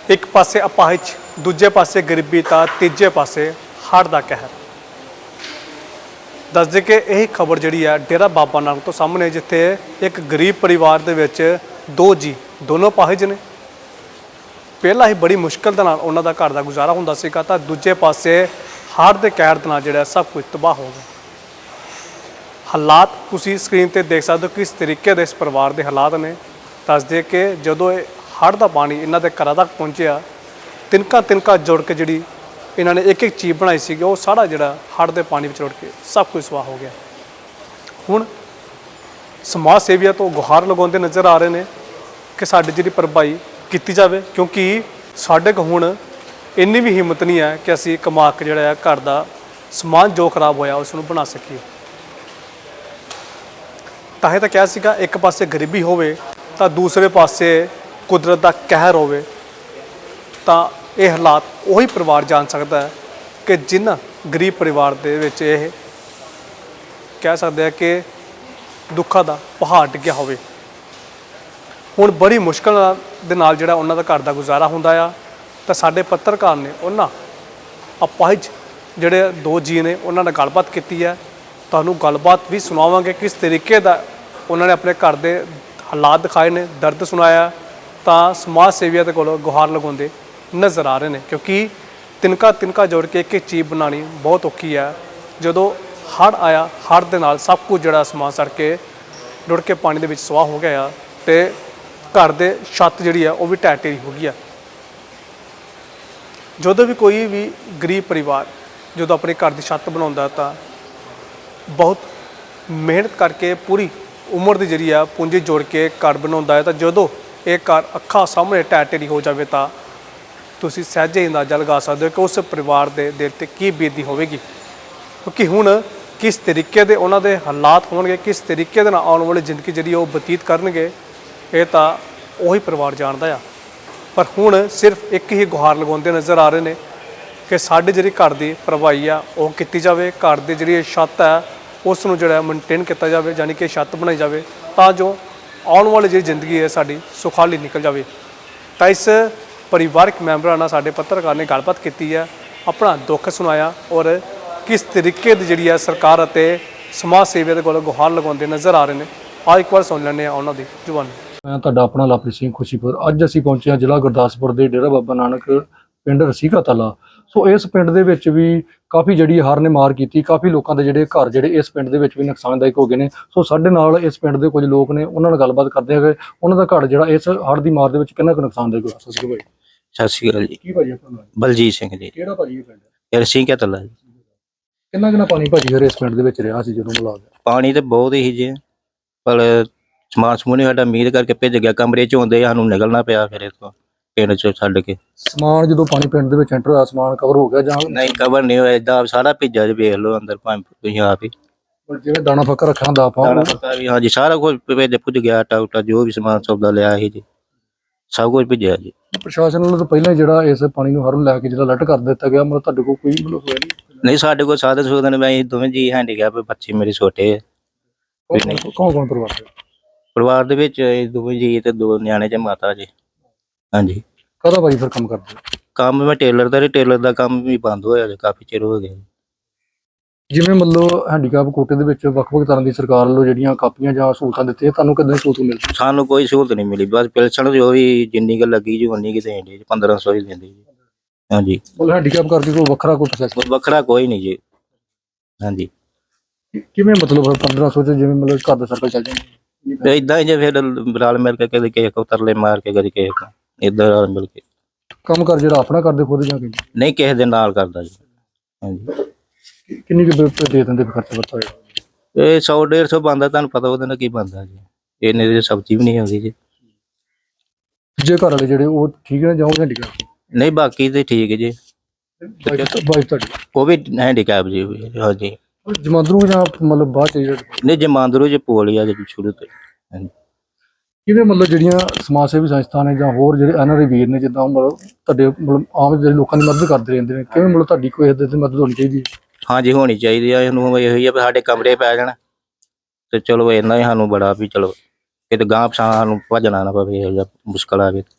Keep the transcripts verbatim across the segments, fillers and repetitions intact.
एक पासे अपाहिज, दूजे पासे गरीबी तो तीजे पासे हड़ का कहर। दस दे कि यही खबर जी है डेरा बाबा नानक तो सामने, जिथे एक गरीब परिवार दे विच दो जी दोनों अपाहिज ने। पहला ही बड़ी मुश्किल दे नाल उन्हां दा घर दा गुजारा हुंदा सीगा, तां दूजे पासे हड़ के कहर दे नाल जिहड़ा सब कुछ तबाह हो गया। हालात तुसीं स्क्रीन ते देख सकते हो किस तरीके दे इस परिवार के हालात ने। दस दे कि जदों हड़ का पानी इन्हां दे घरां तक पहुंचिया, तिनका तिनका जुड़ के जिहड़ी इन्हां ने एक एक चीज़ बनाई सी, वो सारा जिहड़ा हड़ के पानी में रुड़ के सब कुछ स्वाह हो गया। हुण समाज सेविया तो गुहार लगाउंदे नज़र आ रहे हैं कि साडी जिहड़ी भरपाई की जाए, क्योंकि साडे कोल हुण इन्नी भी हिम्मत नहीं है कि असीं कमा के जिहड़ा घर का समान जो खराब होया उसनूं बना सकीए। तां ही तां कहा सीगा एक पासे गरीबी होवे तां दूसरे पासे कुदरत का कहर होवे, तां ये हालात वही परिवार जान सकता है कि जिन्ह गरीब परिवार दे विच ये कह सकते हैं कि दुखा का पहाड़ डिग्गिया होवे। हुण बड़ी मुश्किल दे नाल जिहड़ा उन्हां दा घर दा गुजारा हुंदा आ, तां साडे पत्रकार ने उन्हां अपाहिज जिहड़े दो जी ने उन्हां नाल गलबात कीती है। तुहानूं गलबात भी सुणावांगे किस तरीके दा उन्होंने अपने घर के हालात दिखाए ने, दर्द सुनाया, तां समाज सेविया दे कोलों गुहार लगाउंदे नज़र आ रहे हैं, क्योंकि तिनका तिनका जोड़ के एक एक चीज़ बनानी बहुत औखी है। जदों हड़ आया, हड़ दे नाल सब कुछ जिहड़ा समान सड़ के रुड़ के पानी दे विच स्वाह हो गया, तो घर दे छत जिहड़ी है वह भी ढह ढेरी हो गई है। जदों भी कोई भी गरीब परिवार जदों अपने घर की छत बनाउंदा तां बहुत मेहनत करके पूरी उम्र की जी है पूंजी जोड़ के घर बनाउंदा है, तो जदों एक घर अखा सामने ढह ढेरी हो जाए तो तुसीं सहजे अंदाजा लगा सकते हो कि उस परिवार के दिल ते की बीती होगी। क्योंकि हुण किस तरीके दे उन्हां दे हालात होणगे, किस तरीके दे नाल आउण वाली जिंदगी जिहड़ी वो बतीत करनगे, ये तां उही परिवार जाणदा आ। पर हुण सिर्फ एक ही गुहार लगाउंदे नज़र आ रहे हैं कि साडी जिहड़ी घर की भरपाई आ वो कीती जावे, घर की जिहड़ी छत है उसनूं जिहड़ा मेनटेन किया जाए, यानी कि छत बनाई जाए तां जो आने वाली जी जिंदगी है साडी सुखाली निकल जाए। तो इस परिवारक मैंबरां नाल साडे पत्रकार ने गलबात की है, अपना दुख सुनाया और किस तरीके की जिहड़ी है सरकार अते समाज सेविया दे कोल गुहार लगाउंदे नज़र आ रहे हैं। आ एक बार सुन लैंदे आ उन्हां दी जुबानी। मैं तुहाडा अपना लवप्रीत सिंह खुशीपुर। अज असीं पहुंचे हां जिला गुरदासपुर के डेरा बाबा नानक पिंड रसीका तला। सो इस पिंड दे विच भी काफ़ी जिहड़ी हड़ ने मार की, काफ़ी लोगों के जिहड़े घर जिहड़े इस पिंड दे विच भी नुकसानदायक हो गए हैं। सो साडे नाल इस पिंड के कुछ लोग ने, उन्हां नाल गलबात करदे हैं कि उन्हां दा घर जिहड़ा इस हड़ की मार दे विच किन्ना कुछ नुकसानदायक होया। सत श्री अकाल भाई। सत श्री अकाल जी। की भाजी अपना नाम? बलजीत सिंह जी। किहड़ा भाजी ये पिंड? यार सिंह तला जी। किन्ना किन्ना पानी भाजी फिर इस पिंड दे विच रिहा सी जदों मिला गया? पानी तो बहुत ही जी, पर समान समूह साडा उम्मीद करके भेज गया, कमरे च होंदे सानूं निकलना पिया फिर इथों पिंड चों छड्ड के। समान जदों पानी पिंड दे विच एंटर होया, समान कवर हो गया जां नहीं कवर नहीं होया, इदां सारा भिजा जी, वेख लो अंदर भावें तुसीं आप ही। जिवें दाना फक्का रखा हुंदा आपां दाना पक्का भी हाँ जी, सारा कुछ भेज भुज गया, आटा उटा जो भी समान सौदा लिया ही जी सब कुछ भिजया जी। प्रशासन वालों तो पहले जिहड़ा इस पानी नूं हर लैके जिहड़ा अलर्ट कर दिता गया, मतलब तुहाडे कोल कोई मतलब होया नहीं? नहीं साडे कोल साधन सूधन मैं दोवें जी हैंडीकैप बच्चे मेरे छोटे है। कौन कौन परिवार दे? परिवार दे विच दोवें जी ते दो न्याणे ते माता जी। हाँ जी। कदा भाई फिर काम करदे? काम मैं टेलर दा, टेलर दा काम भी बंद होया जी, काफ़ी चिर हो गया। जिवें मतलब हैंडीकैप कोटे दे विच ਵੱਖ-ਵੱਖ तरह की सरकार ਵੱਲੋਂ ਜਿਹੜੀਆਂ ਕਾਪੀਆਂ ਜਾਂ ਸਹੂਲਤਾਂ ਦਿੱਤੀਆਂ, ਤੁਹਾਨੂੰ ਕਿੱਦਾਂ ਦੀ ਸਹੂਲਤ ਮਿਲਦੀ? सानू कोई सहूलत नहीं मिली, बस पेंशन जो भी जिन्नी क लगी जी उन्नी की दें जी, पंद्रह सौ ही देंदी जी। हाँ जी। ਮਤਲਬ ਹੈਂਡੀਕੈਪ ਕਰਕੇ ਕੋਈ ਵੱਖਰਾ ਕੋਈ ਪ੍ਰੋਸੈਸ? वखरा कोई नहीं जी। हाँ जी। ਕਿਵੇਂ ਮਤਲਬ ਪੰਦਰਾਂ ਸੌ ਚ ਜਿਵੇਂ ਮਤਲਬ ਘਰ ਦਾ ਸਰਕਲ ਚੱਲ ਜਾਂਦਾ? तो इदा ही जी फिर रल मिल के कभी किसी को तरले मार के कभी किसी को इधर रल मिल के। ਕੰਮ ਕਰ ਜਿਹੜਾ ਆਪਣਾ ਕਰਦੇ ਖੁਦ ਜਾਂ ਕਿ नहीं किसी दे नाल करदा जी। हाँ जी। ਕਿੰਨੀ ਕੁ ਬਿਲ ਦੇ ਦਿੰਦੇ ਫਿਰ ਖਰਚਾ ਵਰਤਾ ਹੋਇਆ? ये सौ डेढ़ सौ बनता, तुहानू पता ਉਹਦੇ ਨਾਲ ਕੀ ਬਣਦਾ जी, इन्ने दी सब्जी भी नहीं आउंदी जी। ਜੇ ਘਰ ਵਾਲੇ ਜਿਹੜੇ ਉਹ ਠੀਕ ਨੇ ਜਾਂ ਉਹ ਹੈਂਡੀਕੈਪ? नहीं बाकी तो ठीक है जी, ਵਾਈਫ ਤੁਹਾਡੀ वो भी हैंडीकैप जी। हाँ जी। ਜਮਾਂਦਰੂ ਜਾਂ ਮਤਲਬ ਬਾਅਦ ਚ ਜਿਹੜੇ नहीं जमांदरू जी पोलिया जी शुरू तो। हाँ जी। ਕਿਵੇਂ ਮਤਲਬ ਜਿਹੜੀਆਂ ਸਮਾਜ ਸੇਵੀ ਸੰਸਥਾ ਨੇ ਜਾਂ ਹੋਰ ਜਿਹੜੇ ਐਨ ਆਰ ਆਈ ਵੀਰ ਨੇ, ਜਿੱਦਾਂ ਮਤਲਬ ਤੁਹਾਡੇ ਮਤਲਬ ਆਮ ਜਿਹੜੇ ਲੋਕਾਂ ਦੀ ਮਦਦ ਕਰਦੇ ਰਹਿੰਦੇ ਨੇ, ਕਿਵੇਂ ਮਤਲਬ ਤੁਹਾਡੀ ਕੋਈ ਇਹਦੇ ਤੇ ਮਦਦ ਹੋਣੀ ਚਾਹੀਦੀ ਹੈ? हाँ जी होनी चाहिए है, ਇਹਨੂੰ ਇਹੋ ਹੀ ਆ ਵੀ ਸਾਡੇ ਕਮਰੇ ਪੈ ਜਾਣ ਤੇ ਚਲੋ ਇੰਨਾ ਹੀ ਸਾਨੂੰ ਬੜਾ ਵੀ ਚਲੋ ਕਿਤੇ ਗਾਂਹ ਪਛਾਂ ਸਾਨੂੰ ਭੱਜਣਾ ਨਾ ਪਵੇ, ਇਹੋ ਜਿਹਾ ਮੁਸ਼ਕਲ ਆਵੇ।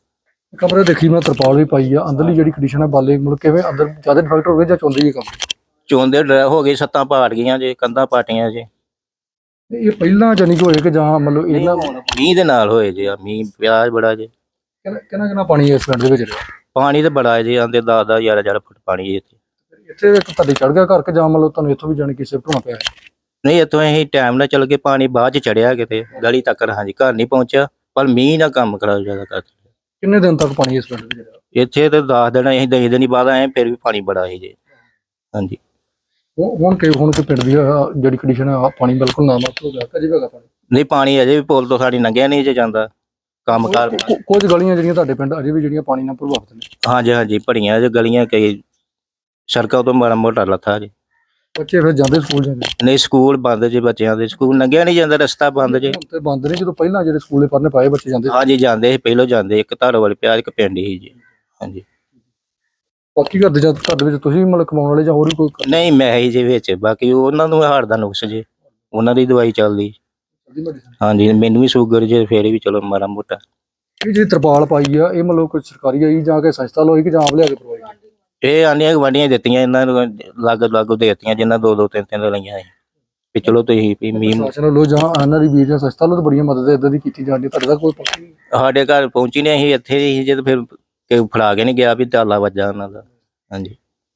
ਕਮਰੇ ਦੇਖੀ ਮੈਂ ਤਰਪਾਲ ਵੀ ਪਾਈ ਆ, ਅੰਦਰਲੀ ਜਿਹੜੀ ਕੰਡੀਸ਼ਨ ਹੈ ਬਾਲੇ ਮਤਲਬ ਕਿਵੇਂ ਅੰਦਰ ਜ਼ਿਆਦਾ ਇਨਫੈਕਟ ਹੋ ਗਏ ਜਾਂ ਚੁੰਦੀ ਜੀ ਕਮਰੇ? ਚੋਂਦੇ ਡਰ ਹੋ ਗਏ, ਛੱਤਾਂ ਪਾੜ ਗਈਆਂ ਜੇ, ਕੰਧਾਂ ਪਾਟੀਆਂ ਜੇ। ਇਹ ਪਹਿਲਾਂ ਜਾਨੀ ਕਿ ਹੋਏ ਕਿ ਜਾਂ ਮਤਲਬ ਇਹਨਾਂ ਮੀਂਹ ਦੇ ਨਾਲ ਹੋਏ ਜੇ, ਆ ਮੀਂਹ ਪਿਆ ਬੜਾ ਜੇ। ਕਿੰਨਾ ਕਿੰਨਾ ਪਾਣੀ ਇਸ ਪਿੰਡ ਦੇ ਵਿੱਚ ਰਿਹਾ? ਪਾਣੀ ਤੇ ਬੜਾ ਜੇ, ਆਂਦੇ ਦਸ ਦਸ ਗਿਆਰਾਂ ਗਿਆਰਾਂ ਫੁੱਟ ਪਾਣੀ ਜੇ ਇੱਥੇ। ਇੱਥੇ ਇੱਕ ਤੁਹਾਡੇ ਚੜ ਗਿਆ ਘਰ ਕਿ ਜਾਂ ਮਤਲਬ ਤੁਹਾਨੂੰ ਇੱਥੋਂ ਵੀ ਜਾਣੀ ਕਿ ਸ਼ਿਫਟ ਹੋਣਾ ਪਿਆ ਹੈ? ਨਹੀਂ, ਇੱਥੋਂ ਅਸੀਂ ਟਾਈਮ ਨਾਲ ਚੱਲ ਗਏ, ਪਾਣੀ ਬਾਅਦ ਚ ਚੜਿਆ ਕਿਤੇ ਗਲੀ ਤੱਕ। ਹਾਂਜੀ, ਘਰ ਨਹੀਂ ਪਹੁੰਚਿਆ, ਪਰ ਮੀਂਹ ਨਾਲ ਕੰਮ ਖਰਾਬ ਜ਼ਿਆਦਾ ਕਰ। ਕਿੰਨੇ ਦਿਨ ਤੱਕ ਪਾਣੀ ਇਸ ਪਿੰਡ ਵਿੱਚ ਰਿਹਾ? ਇੱਥੇ ਤੇ ਦਸ ਦਿਨ ਅਸੀਂ ਦਸ ਦਿਨ ਹੀ ਬਾਅਦ ਆਏ, ਫਿਰ ਵੀ ਪਾਣੀ ਬੜਾ ਸੀ ਜੇ। ਹਾਂਜੀ, ਉਹ ਹੁਣ ਕਿ ਹੁਣ ਕਿ ਪਿੰਡ ਦੀ ਆਹ ਜਿਹੜੀ ਕੰਡੀਸ਼ਨ ਹੈ, ਪਾਣੀ ਬਿਲਕੁਲ ਨਾ ਮਤ ਹੋ ਗਿਆ ਕਿ ਜਿਵੇਂ ਹੈਗਾ ਪਾਣੀ? ਨਹੀਂ, ਪਾਣੀ ਅਜੇ ਵੀ ਪੁਲ ਤੋਂ ਸਾਡੀ ਲੰਘਿਆ ਨਹੀਂ ਜੇ ਜਾਂਦਾ ਕੰਮ ਕਰ। ਕੁ- ਕੁਝ ਗਲੀਆਂ ਜਿਹੜੀਆਂ ਤੁਹਾਡੇ ਪਿੰਡ ਅਜੇ ਵੀ ਜਿਹੜੀਆਂ ਪਾਣੀ ਨਾਲ ਪ੍ਰਭਾਵਿਤ ਨੇ? ਹਾਂਜੀ ਹਾਂਜੀ, ਭੜੀਆਂ ਜੇ ਗਲੀਆਂ, ਕਈ ਸੜਕਾਂ ਤੋਂ ਮਾੜਾ ਮੋਟਾ ਲੱਥਾ ਜੇ। ਬੱਚੇ ਫਿਰ ਜਾਂਦੇ ਸਕੂਲ ਜਾਂਦੇ? ਨਹੀਂ, ਸਕੂਲ ਬੰਦ ਜੇ, ਬੱਚਿਆਂ ਦੇ ਸਕੂਲ ਲੰਘਿਆ ਨਹੀਂ ਜਾਂਦਾ, ਰਸਤਾ ਬੰਦ ਜੇ। ਹੁਣ ਤੇ ਬੰਦ ਨੇ, ਜਦੋਂ ਪਹਿਲਾਂ ਜਿਹੜੇ ਸਕੂਲੇ ਪੜ੍ਹਨੇ ਪਾਏ ਬੱਚੇ ਜਾਂਦੇ? ਹਾਂਜੀ, ਜਾਂਦੇ ਸੀ, ਪਹਿਲੋਂ ਜਾਂਦੇ, ਇੱਕ ਧਾਰੋ ਵਾਲੇ ਪਿਆ, ਇੱਕ ਪਿੰਡ ਹੀ ਜੀ। ਹਾਂਜੀ, ਬਾਕੀ ਘਰ ਦੇ ਜਾਂ ਘਰ ਦੇ ਵਿੱਚ ਤੁਸੀਂ ਵੀ ਮਤਲਬ ਕਮਾਉਣ ਵਾਲੇ ਜਾਂ ਹੋਰ ਵੀ ਕੋਈ ਕਰਦੀ ਨਹੀਂ ਮੈਂ ਹੀ ਜੇ ਵਿੱਚ, ਬਾਕੀ ਉਹਨਾਂ ਨੂੰ ਹਾਰਟ ਦਾ ਨੁਕਸ ਜੇ, ਉਹਨਾਂ ਦੀ ਦਵਾਈ ਚੱਲਦੀ। medicine? ਹਾਂਜੀ, ਮੈਨੂੰ ਵੀ ਸ਼ੂਗਰ ਜੇ, ਫੇਰ ਵੀ ਚਲੋ ਮਾੜਾ ਮੋਟਾ। ਇਹ ਜਿਹੜੀ ਤਰਪਾਲ ਪਾਈ ਆ ਇਹ ਮਤਲਬ ਕੋਈ ਸਰਕਾਰੀ ਆਈ ਜਾਂ ਕਿ ਸੰਸਥਾ ਲੋਈ ਕਿ ਜਾਂ ਆਪ ਲਿਆ ਕੇ ਪ੍ਰੋਵਾਈਡ? ਇਹ ਆਂਡੀਆਂ ਗਵਾਂਡੀਆਂ ਦਿੱਤੀਆਂ, ਇਹਨਾਂ ਨੂੰ ਲੱਗ ਲੱਗ ਦੇ ਦਿੱਤੀਆਂ, ਜਿਨ੍ਹਾਂ ਦੋ ਦੋ ਤਿੰਨ ਤਿੰਨ ਲਈਆਂ ਸੀ ਵੀ ਚਲੋ ਤੁਸੀਂ ਵੀ ਮੀਂਹ। ਪ੍ਰਸ਼ਾਸਨ ਵੱਲੋਂ ਜਾਂ ਇਹਨਾਂ ਦੀ ਵੀਰ ਜਾਂ ਸੰਸਥਾ ਵੱਲੋਂ ਤਾਂ ਬੜੀਆਂ ਮਦਦ ਇਦਾਂ ਦੀ ਕੀਤੀ ਜਾਂਦੀ, ਤੁਹਾਡੇ ਦਾ ਕੋਈ ਪੱਕੀ ਨਹੀਂ? ਸਾਡੇ ਘਰ ਪਹੁੰਚੀ ਨਹੀਂ, ਅਸੀਂ ਇੱਥੇ ਹੀ ਜਦ ਫਿਰ ਕਿ ਫੜਾ ਕੇ ਨਹੀਂ ਗਿਆ ਵੀ ਤਾਲਾ ਵੱਜਾ ਉਹਨਾਂ ਦਾ। ਹਾਂਜੀ,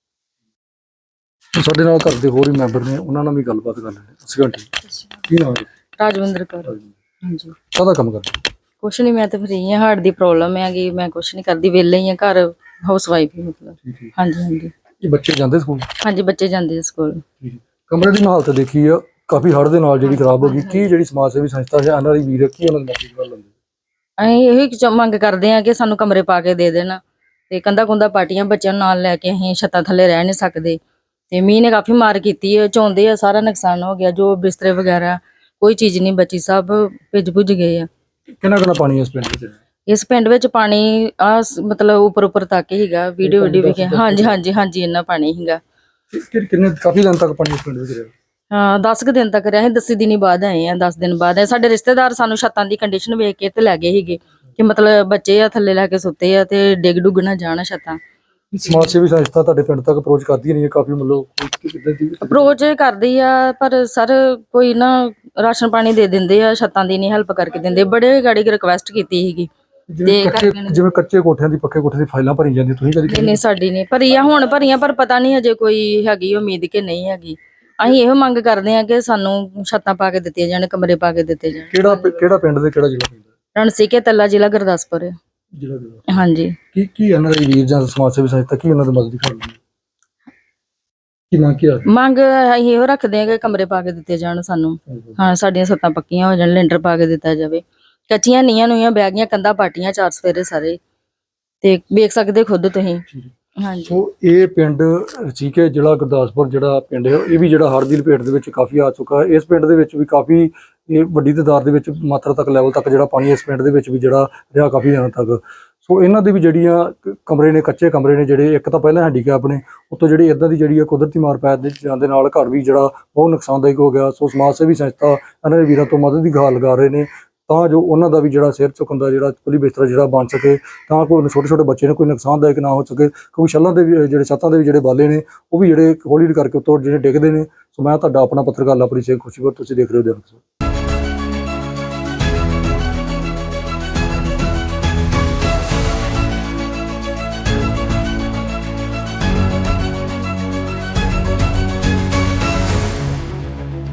ਸਾਡੇ ਨਾਲ ਘਰ ਦੇ ਹੋਰ ਵੀ ਮੈਂਬਰ ਨੇ, ਉਹਨਾਂ ਨਾਲ ਵੀ ਗੱਲਬਾਤ ਕਰ ਲੈਂਦੇ। ਅਸੀਂ ਘੰਟੀ ਕੀ ਨਾਮ ਹੈ? ਰਾਜਵਿੰਦਰ ਕੌਰ। ਹਾਂਜੀ, ਕਾਹਦਾ ਕੰਮ ਕਰਦੇ? ਕੁਛ ਨਹੀਂ, ਮੈਂ ਤਾਂ ਫਰੀ ਹਾਂ, ਹਾਰਟ ਦੀ ਪ੍ਰੋਬਲਮ ਹੈਗੀ, ਮੈਂ ਕੁਛ ਨਹੀਂ ਕਰਦੀ, ਵਿਹਲੇ ਹੀ ਆ, ਘਰ ਹਾਊਸ ਵਾਈਫ ਹੀ ਮਤਲਬ। ਹਾਂਜੀ ਹਾਂਜੀ ਇਹ ਬੱਚੇ ਜਾਂਦੇ ਸਕੂਲ? ਹਾਂਜੀ, ਬੱਚੇ ਜਾਂਦੇ ਆ ਸਕੂਲ। ਕਮਰੇ ਦੀ ਹਾਲਤ ਦੇਖੀ ਆ ਕਾਫੀ ਹੜ੍ਹ ਦੇ ਨਾਲ ਜਿਹੜੀ ਖਰਾਬ ਹੋ ਗਈ, ਕੀ ਜਿਹੜੀ ਸਮਾਜ ਸੇਵੀ ਸੰਸਥਾ ਹੈ ਇਹਨਾਂ ਦੀ ਵੀਰ ਕੀ ਉਹਨਾਂ ਦੀ ਮਦਦ ਕਰ ਲੈਂਦੇ? ਅਸੀਂ ਇਹੀ ਚ- ਮੰਗ ਕਰਦੇ ਆ ਕਿ ਸਾਨੂੰ ਕਮਰੇ ਪਾ ਕੇ ਦੇ ਦੇਣ, ਤੇ ਕੰਧਾ ਕੁੰਧਾ ਪਾਟੀਆਂ, ਬੱਚਿਆਂ ਨੂੰ ਨਾਲ ਲੈ ਕੇ ਅਸੀਂ ਛੱਤਾਂ ਥੱਲੇ ਰਹਿ ਨਹੀਂ ਸਕਦੇ, ਤੇ ਮੀਂਹ ਨੇ ਕਾਫੀ ਮਾਰ ਕੀਤੀ ਹੈ, ਚੌਂਦੇ ਆ, ਸਾਰਾ ਨੁਕਸਾਨ ਹੋ ਗਿਆ, ਜੋ ਬਿਸਤਰੇ ਵਗੈਰਾ ਕੋਈ ਚੀਜ਼ ਨਹੀਂ ਬਚੀ, ਸਭ ਭਿੱਜ ਭੁੱਜ ਗਏ ਆ। ਕਿੰਨਾ ਕਿੰਨਾ ਪਾਣੀ ਇਸ ਪਿੰਡ ਵਿੱਚ? ਇਸ ਪਿੰਡ ਵਿੱਚ ਪਾਣੀ ਆ ਮਤਲਬ ਉੱਪਰ ਉੱਪਰ ਤੱਕ ਹੀਗਾ, ਵੀਡੀਓ ਵੀਡੀਓ ਵੀ ਕਿ- ਹਾਂਜੀ ਹਾਂਜੀ ਹਾਂਜੀ ਇੰਨਾ ਪਾਣੀ ਹੀਗਾ। ਕਿ- ਕਿੰਨੇ ਕਾਫੀ ਦਿਨ ਤੱਕ ਪਾਣੀ ਇਸ ਪਿੰਡ ਵਿੱਚ ਰਿਹਾ? ਹਾਂ, ਦਸ ਕੁ ਦਿਨ ਤੱਕ ਰਹੇ, ਦਸ ਦਿਨੀ ਬਾਅਦ ਆਏ ਆ, ਦਸ ਦਿਨ ਬਾਅਦ ਆਏ। ਸਾਡੇ ਰਿਸ਼ਤੇਦਾਰ ਸਾਨੂੰ ਛੱਤਾਂ ਦੀ ਕੰਡੀਸ਼ਨ ਵੇਖ ਕੇ ਤੇ ਲੈ ਗਏ ਸੀਗੇ ਕਿ ਮਤਲਬ ਬੱਚੇ ਆ ਥੱਲੇ ਲੈ ਕੇ ਸੁੱਤੇ ਆ ਤੇ ਡਿੱਗ ਡੁੱਗ ਨਾ ਜਾਣ ਛੱਤਾਂ। ਸਮਾਜ ਸੇਵੀ ਸੰਸਥਾ ਤੁਹਾਡੇ ਪਿੰਡ ਤੱਕ ਅਪਰੋਚ ਕਰਦੀ ਨਹੀਂ ਹੈ ਕਾਫੀ, ਮਤਲਬ ਕਿੱਦਾਂ ਦੀ? ਅਪਰੋਚ ਕਰਦੀ ਆ, ਪਰ ਸਰ ਕੋਈ ਨਾ ਰਾਸ਼ਨ ਪਾਣੀ ਦੇ ਦਿੰਦੇ ਆ, ਛੱਤਾਂ ਦੀ ਨਹੀਂ ਹੈਲਪ ਕਰਕੇ ਦਿੰਦੇ। ਬੜੇ ਗਾੜੀ ਰਿਕਵੈਸਟ ਕੀਤੀ ਸੀਗੀ। ਜਿਵੇਂ ਕੱਚੇ ਜਿਵੇਂ ਕੱਚੇ ਕੋਠਿਆਂ ਦੀ ਪੱਕੇ ਕੋਠੇ ਦੀ ਫਾਈਲਾਂ ਭਰੀ ਜਾਂਦੀ, ਤੁਸੀਂ ਕਦੀ? ਨਹੀਂ ਨਹੀਂ, ਸਾਡੀ ਨਹੀਂ ਭਰੀ ਆ, ਹੁਣ ਭਰੀਆਂ, ਪਰ ਪਤਾ ਨਹੀਂ ਅਜੇ ਕੋਈ ਹੈਗੀ ਉਮੀਦ ਕਿ ਨਹੀਂ ਹੈਗੀ। ਅਸੀਂ ਇਹੋ ਮੰਗ ਕਰਦੇ ਆ ਕਿ ਸਾਨੂੰ ਛੱਤਾਂ ਪਾ ਕੇ ਦਿੱਤੀਆਂ ਜਾਣ, ਕਮਰੇ ਪਾ ਕੇ ਦਿੱਤੇ ਜਾਣ। ਕਿਹੜਾ ਪਿ- ਕਿਹੜਾ ਪਿੰਡ ਦੇ ਕਿਹੜਾ ਜ਼ਿਲ੍ਹਾ ਪੈਂਦਾ? ਰਣਸੀਕੇ ਤੱਲਾ, ਜ਼ਿਲ੍ਹਾ ਗੁਰਦਾਸਪੁਰ। ਜ਼ਿਲ੍ਹਾ ਜ਼ਿਲ੍ਹਾ ਹਾਂਜੀ, ਕੀ ਕੀ ਇਹਨਾਂ ਦੀ ਵੀਰ ਜਾਂ ਸਮਾਜ ਸੇਵੀ ਸੰਸਥਾ ਕੀ ਉਹਨਾਂ ਦੀ ਮਦਦ ਕਰਦੀ ਹੈ? ਕੀ ਮੰਗ ਕੀ ਆ? ਮੰਗ ਅਸੀਂ ਇਹੋ ਰੱਖਦੇ ਆ ਕਿ ਕਮਰੇ ਪਾ ਕੇ ਦਿੱਤੇ ਜਾਣ ਸਾਨੂੰ। ਹਾਂ, ਸਾਡੀਆਂ ਛੱਤਾਂ ਪੱਕੀਆਂ ਹੋ ਜਾਣ, ਲੈਂਟਰ ਪਾ ਕੇ ਦਿੱਤਾ ਜਾਵੇ। ਕੱਚੀਆਂ ਨੀਆਂ ਨੂੰਆਂ ਬਹਿ ਗਈਆਂ, ਕੰਧਾਂ ਪਾਟੀਆਂ ਚਾਰ ਸਫੇਰੇ ਸਾਰੇ, ਤੇ ਵੇਖ ਸਕਦੇ ਖੁਦ ਤੁਸੀਂ। ਹਾਂਜੀ, ਸੋ ਇਹ ਪਿੰਡ ਰਸੀਕੇ ਜ਼ਿਲ੍ਹਾ ਗੁਰਦਾਸਪੁਰ ਜਿਹੜਾ ਪਿੰਡ ਹੈ, ਇਹ ਵੀ ਜਿਹੜਾ ਹੜ੍ਹ ਦੀ ਲਪੇਟ ਦੇ ਵਿੱਚ ਕਾਫੀ ਆ ਚੁੱਕਾ ਹੈ। ਇਸ ਪਿੰਡ ਦੇ ਵਿੱਚ ਵੀ ਕਾਫੀ ਇਹ ਵੱਡੀ ਤਾਦਾਦ ਦੇ ਵਿੱਚ ਮਾਤਰਾ ਤੱਕ ਲੈਵਲ ਤੱਕ ਜਿਹੜਾ ਪਾਣੀ ਇਸ ਪਿੰਡ ਦੇ ਵਿੱਚ ਵੀ ਜਿਹੜਾ ਰਿਹਾ ਕਾਫੀ ਦਿਨਾਂ ਤੱਕ। ਸੋ ਇਹਨਾਂ ਦੇ ਵੀ ਜਿਹੜੀਆਂ ਕ- ਕਮਰੇ ਨੇ, ਕੱਚੇ ਕਮਰੇ ਨੇ ਜਿਹੜੇ, ਇੱਕ ਤਾਂ ਪਹਿਲਾਂ ਹੈਂਡੀਕੈਪ ਨੇ, ਉੱਤੋਂ ਜਿਹੜੀ ਇਦਾਂ ਦੀ ਜਿਹੜੀ ਆ ਕੁਦਰਤੀ ਮਾਰ ਪੈ ਦੇ ਜਾਣ ਦੇ ਨਾਲ ਘਰ ਵੀ ਜਿਹੜਾ ਬਹੁਤ ਨੁਕਸਾਨਦਾਇਕ ਹੋ ਗਿਆ। ਸੋ ਸਮਾਜ ਸੇਵੀ ਸੰਸਥਾ ਇਹਨਾਂ ਦੇ ਵੀਰਾਂ ਤੋਂ ਮਦਦ ਦੀ ਗੁਹਾਰ ਲਗਾ ਰਹੇ ਨੇ ਤਾਂ ਜੋ ਉਹਨਾਂ ਦਾ ਵੀ ਜਿਹੜਾ ਸਿਰ ਚੁੱਕਣ ਦਾ ਜਿਹੜਾ ਕੁਲੀ ਬਿਸਤਰਾ ਜਿਹੜਾ ਬਣ ਸਕੇ, ਤਾਂ ਕੋਈ ਛੋਟੇ ਛੋਟੇ ਬੱਚੇ ਨੂੰ ਕੋਈ ਨੁਕਸਾਨਦਾਇਕ ਨਾ ਹੋ ਸਕੇ। ਕਿਉਂਕਿ ਛੱਲਾਂ ਦੇ ਵੀ ਜਿਹੜੇ ਛੱਤਾਂ ਦੇ ਵੀ ਜਿਹੜੇ ਬਾਲੇ ਨੇ ਉਹ ਵੀ ਜਿਹੜੇ ਹੌਲੀ ਹੌਲੀ ਕਰਕੇ ਉੱਤੋਂ ਜਿਹੜੇ ਡਿੱਗਦੇ ਨੇ। ਸੋ ਮੈਂ ਤੁਹਾਡਾ ਆਪਣਾ ਪੱਤਰਕਾਰ ਲਵਪ੍ਰੀਤ ਸਿੰਘ ਖੁਸ਼ੀਪੁਰ, ਤੁਸੀਂ ਦੇਖ ਰਹੇ ਹੋ ਦਿਨ।